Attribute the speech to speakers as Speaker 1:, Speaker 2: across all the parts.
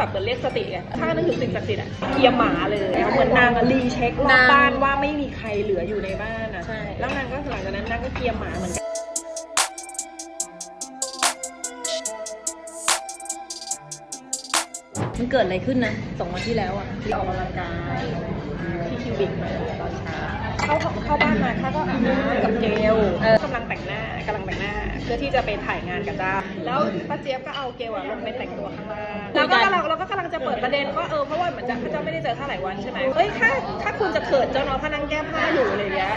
Speaker 1: แบบเหมือนเรียกสติไงข้านึกถึงสิ่งศักดิ์สิทธิ์อะเกียร์หมาเลยเหมือนนางรีเช็ครอบบ้านว่าไม่มีใครเหลืออยู่ในบ้านอะแล้วนางก็หลังจากนั้นนางก็เกียร์หมาเหมือนกัน
Speaker 2: มันเกิดอะไรขึ้นนะ2 วันที่แล้วอ่ะ
Speaker 1: ที่ออกกำลังกายที่คิวบิกมาตอนเช้าเข้าบ้านมาข้าก็อาบน้ำกับเจลกำลังแต่งหน้าเพื่อที่จะไปถ่ายงานกับจ้าแล้วป้าเจี๊ยบก็เอาเกลลงไปแต่งตัวข้างล่างแล้วก็เราก็กำลังจะเปิดประเด็นว่าเพราะว่าเหมือนเจ้าไม่ได้เจอข้าหลายวันใช่ไหมถ้าคุณจะเขินเจ้าน้องข้านั่งแก้ผ้าอยู่อะไรอย่างเงี้ย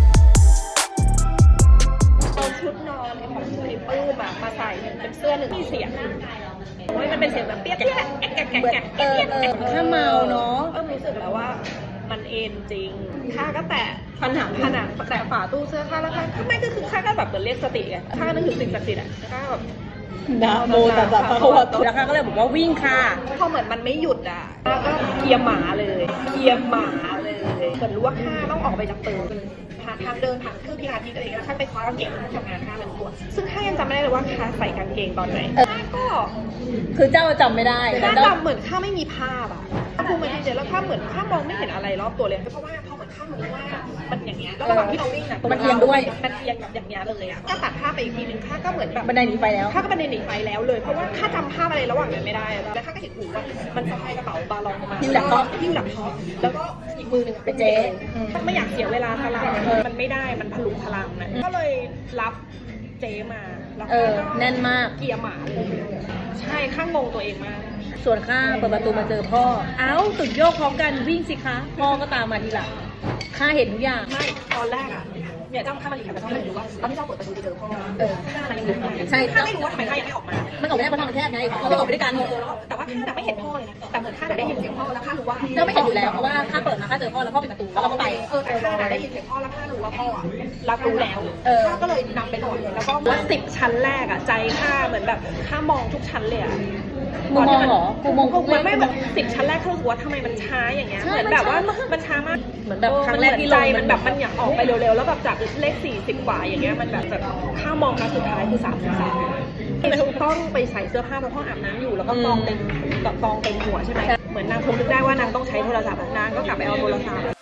Speaker 1: เอาชุดนอนของคุณไอ้ปื้มมาใส่เป็นเสื้อหนึ่งมีเสียงมันเป็นเสียงแบบเปี้ยแกะ
Speaker 2: ถ้าเมาเนาะ
Speaker 1: รู้สึกแล้วว่ามันเอ็นจริงข้าก็แตะผนังแตะฝาตู้เสื้อข้าแล้วข้าไม่คือข้าก็แบบเหมือนเรียกสติไงข้าก็นึกถึงสิ่งศักดิ์สิทธิ์อ่ะข้าแบบ
Speaker 2: นะโมตัสสะภะคะวะโตแล้วข้าก็เลยบอกว่าวิ่งค่ะ
Speaker 1: พอเหมือนมันไม่หยุดอ่ะข้าก็เกียร์หมาเลยเหมือนรู้ว่าข้าต้องออกไปจากตึกทางเดินผ่านเครื่องพิลาทิสอะไรอย่างเงี้ยข้าไปคว้ากางเกงทำงานข้าเป็นตัวซึ่งข้ายังจำไม่ได้เลยว่าข้าใส่กางเกงตอนไหนข้าก็
Speaker 2: คือเจ้าจำไม่ได้
Speaker 1: ข้าจำเหมือนข้าไม่มีภาพอ่ะภูมิใจเจแล้วข้าเหมือนข้ามองไม่เห็นอะไรรอบตัวเลยเพราะเหมือนข้ารู้ว่ามันอย่างเงี้ยแล้วระหว่างที่เราวิ่งอ่ะ
Speaker 2: มันเอียงด้วย
Speaker 1: มันเอียงแบบอย่างเงี้ยเลยอ่ะก็ตัดภาพไปอีกทีนึงข้าก็เหมือนแบบ
Speaker 2: บันไดหนีไฟแล้ว
Speaker 1: ข้าก็บันไดหนีไฟแล้วเลยเพราะว่าข้าจำภาพอะไรระหว่างนั้นไม่ได้แล้วข้าก็เห็นหูว่ามันสะพายกระเป๋าบาลองมา
Speaker 2: หิ้วหลังท็อป
Speaker 1: แล้วก็อีกมือหนึ่งเป็นเจลไม่อยากเสียเวลาสลับมันไม่ได้มันพลุงพลังนะก็เลยรับเจมาแล้วก็
Speaker 2: แน่นมาก
Speaker 1: เกียร์หมาเลยใช่ข้างงงตัวเองมาก
Speaker 2: ส่วนข้าเปิดประตูมาเจอพ่อสุดโยกพร้อมกันวิ่งสิคะพ่อก็ตามมาทีหลังข้าเห็นทุกอย่าง
Speaker 1: ไม่ตอนแรกอ่ะเนี่ยเจ้าข้ามาหลีกแต่เจ้าไม่รู้ว่าตอนที่เจ้าเปิดประตูจะเจอพ่อมันยังอยู่ข้างใน
Speaker 2: ใช่
Speaker 1: ข้าไม่รู้ว่าทำไมข้ายังไม่ออกมา
Speaker 2: มันออกไม่ได้เพราะทางมันแคบไงเราไม่ออกไปด้วยกัน
Speaker 1: แต่ว่าข้าไม่เห็นพ่อเลยนะแต่เหมือนข้าได้ยินเสียงพ่อแล้วข้ารู้ว่า
Speaker 2: เจ้าไม่เห็นอยู่แล้วเพราะว่าข้าเปิดมาข้าเจอพ่อแล้วพ่อปิดประตูแล้วเราก็ไป
Speaker 1: แต่ข้าได้ยินเสียงพ่อแล้วข้ารู้ว่าพ่อรับรู้แล้วข้าก็เลยนำไปหน่อยแล้วก็ว่า10 ชั้นแรกอ่ะใจข้าเหมือนแบบข้ามองทุกชั้นเลยอ่ะ
Speaker 2: กูมองเหรอกูมอง
Speaker 1: มันไม่แบบ10 ชั้นแรกเขารู้ว่าทำไมมันช้าอย่างเงี้ยเหมือนแบบว่ามันช้ามาก
Speaker 2: เหมือนแบบครั้งแรกที่
Speaker 1: ใจมันแบบมันอยากออกไปเร็วๆแล้วแบบจากเลข40 กว่าอย่างเงี้ยมันแบบข้ามองครั้งสุดท้ายคือ33ต้องไปใส่เสื้อผ้าเพราะห้องอาบน้ำอยู่แล้วก็กองเต็มหัวใช่ไหมเหมือนนางคงนึกได้ว่านางต้องใช้โทรศัพท์นางก็กลับไปเอาโทรศัพท์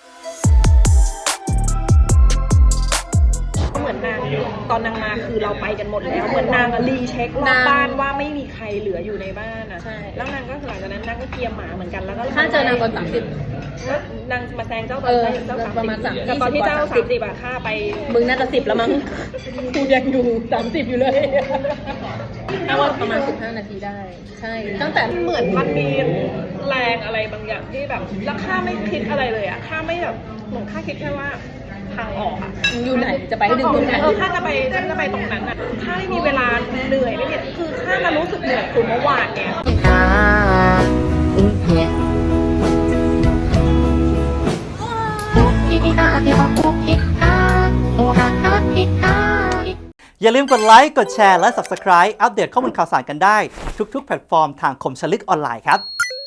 Speaker 1: เหมือนนางตอนนางมาคือเราไปกันหมดแล้วเหมือนนางรีเช็ครอบบ้านว่าไม่มีใครเหลืออยู่ในบ้านอ่ะแล้วนางก็หลังจากนั้นนางก็เกียร์หมาเหมือนกันแล้วก็
Speaker 2: ข้าเจอนางตอน30
Speaker 1: นางมาแซงเจ้าตอน
Speaker 2: ประมาณ
Speaker 1: 30แต่ตอนที่เจ้า30อ่ะข้าไป
Speaker 2: มึงน่าจะ10แล้วมั้งกูยังอยู่30อยู่เลยถ้าว่าประมาณ15 นาทีได้ใช่ตั้งแต่
Speaker 1: เหมือนมันมีแรงอะไรบางอย่างที่แบบแล้วข้าไม่คิดอะไรเลยอ่ะข้าไม่แบบเหมือนข้าคิดแค่ว่าทางออกอ่ะ
Speaker 2: อยู่ไหนจะไปให้ดึงตรงไหน
Speaker 1: ข้าจะไปตรงนั้นอ่ะข้าไม่มีเวลาเหนื่อยไม่เนี่ยคือข้ามารู้สึกเหนื่อยคือเมื่อวานเนี่ย
Speaker 3: อย่าลืมกดไลค์กดแชร์และ Subscribe อัปเดตข้อมูลข่าวสารกันได้ทุกๆแพลตฟอร์มทางคมชลึกออนไลน์ครับ